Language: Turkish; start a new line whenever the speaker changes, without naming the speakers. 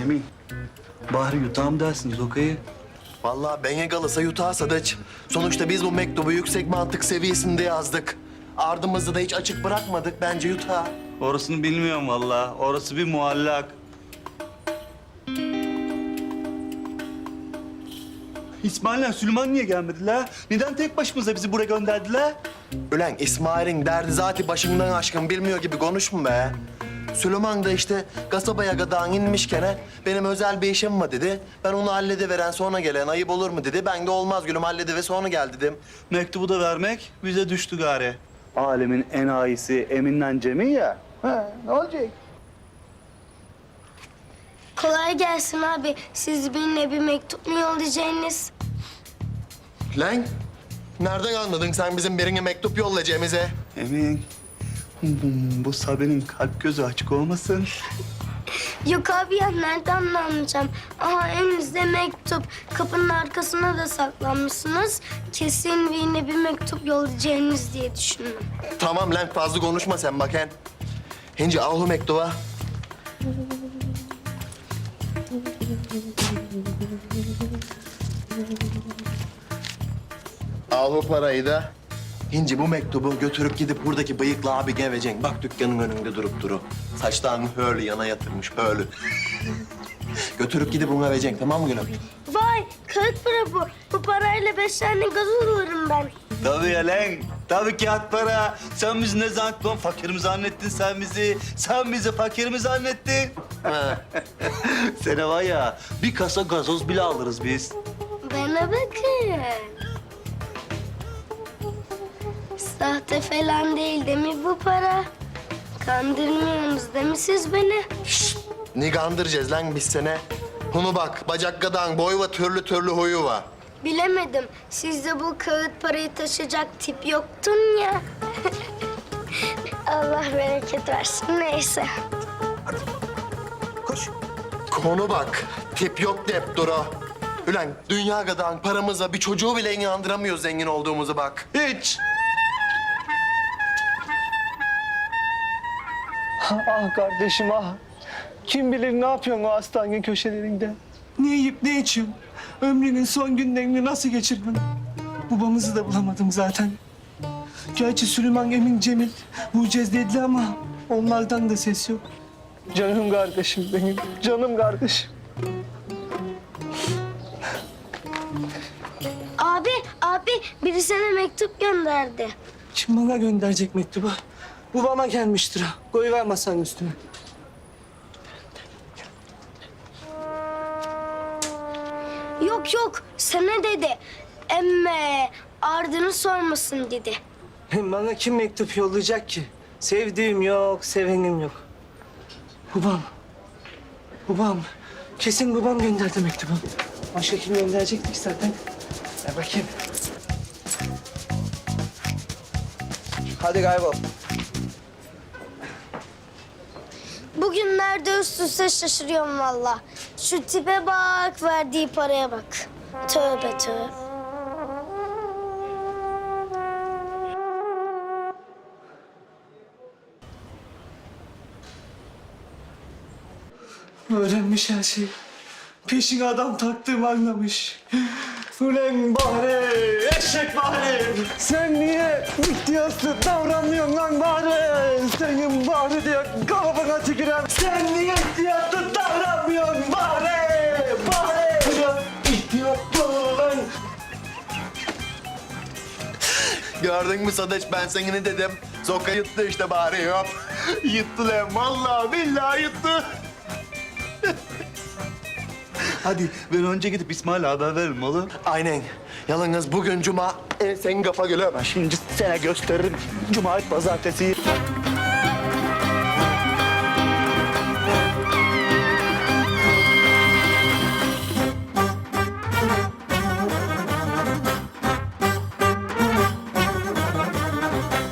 Emin, bari yutağım dersin Zoka'yı.
Vallahi beni kalırsa yutağa Sadıç. Sonuçta biz bu mektubu yüksek mantık seviyesinde yazdık. Ardımızı da hiç açık bırakmadık. Bence yutağa.
Orasını bilmiyorum vallahi. Orası bir muallak. İsmail'le Süleyman niye gelmediler? Neden tek başımıza bizi buraya gönderdiler?
Ulan İsmail'in derdi zati başından aşkın bilmiyor gibi konuşma be. Süleyman da işte kasabaya kadar inmişken benim özel bir işim var dedi. Ben onu hallediveren sonra gelen ayıp olur mu dedi. Ben de olmaz gülüm halledive sonra gel dedim.
Mektubu da vermek bize düştü gari. Alemin enayisi Emin'le Cemil ya.
Ne olacak?
Kolay gelsin abi. Siz benimle bir mektup mu yollayacaksınız?
Lan nereden anladın sen bizim birine mektup yollayacağımızı?
Emin, bu Sabi'nin kalp gözü açık olmasın?
Yok abi ya nereden anlayacağım? Aha elinizde mektup. Kapının arkasına da saklanmışsınız. Kesin birine bir mektup yollayacaksınız diye düşündüm.
Tamam lan fazla konuşma sen bakın. Hinci al o mektuba. Al o parayı da. Hinci bu mektubu götürüp gidip buradaki bıyıklı abi geveceksin. Bak dükkanın önünde durup duru. Saçlarını höylü yana yatırmış höylü. Götürüp gidip ona vereceksin tamam mı gülüm?
Vay kağıt para bu. Bu parayla 5 tane gazoz alırım ben.
Tabii ya lan. Tabii kağıt para. Sen bizi ne zannettin? Fakir mi zannettin sen bizi? Sen bizi fakir mi zannettin?
Ha.
Sene var ya, bir kasa gazoz bile alırız biz.
Bana bakın. Sahte falan değil değil mi bu para? Kandırmıyorsunuz değil mi siz beni?
Ne kandıracağız lan biz sene? Bunu bak bacak kadar boy var türlü türlü huyu var.
Bilemedim. Sizde bu kağıt parayı taşıyacak tip yoktun ya. Allah bereket versin. Neyse.
Koş. Konu bak. Tip yok deyip duru. Ulan dünya kadar paramızla bir çocuğu bile inandıramıyoruz zengin olduğumuzu bak.
Hiç.
Ah kardeşim ah. Kim bilir ne yapıyorsun o hastane köşelerinde? Ne yiyip ne içiyorsun? Ömrünün son günlerini nasıl geçirdin? Babamızı da bulamadım zaten. Gerçi Süleyman, Emin, Cemil bulacağız dediler ama onlardan da ses yok. Canım kardeşim benim, canım kardeşim.
Abi biri sana mektup gönderdi.
Kim bana gönderecek mektubu? Babama gelmiştir ha. Koyuver masanın üstüne.
Yok sana dedi. Emme ardını sormasın dedi.
Hem bana kim mektup yollayacak ki? Sevdiğim yok, sevenim yok. Babam. Kesin babam gönderdi mektubu. Başka kim gönderecektik zaten? Ver bakayım. Hadi kaybol.
Bugünlerde üst üste şaşırıyorum valla. Şu tipe bak, verdiği paraya bak. Tövbe tövbe.
Öğrenmiş her şeyi. Peşine adam taktığımı anlamış. Ulan bari, eşek bari. Sen niye ihtiyaslı davranıyorsun lan bari? Senin bari diye kafana tükürem. Sen niye ihtiyaslı davranmıyorsun bari? Bari. Ulan ihtiyatlı lan.
Gördün mü Sadıç ben sana ne dedim? Zoka yuttu işte bari yok. Yuttu lan vallahi billahi yuttu.
Hadi ben önce gidip İsmail'e haber veririm oğlum.
Aynen. Yalnız bugün cuma. Senin kafa gülüm.
Şimdi sana gösteririm. Cumartesi, pazartesi.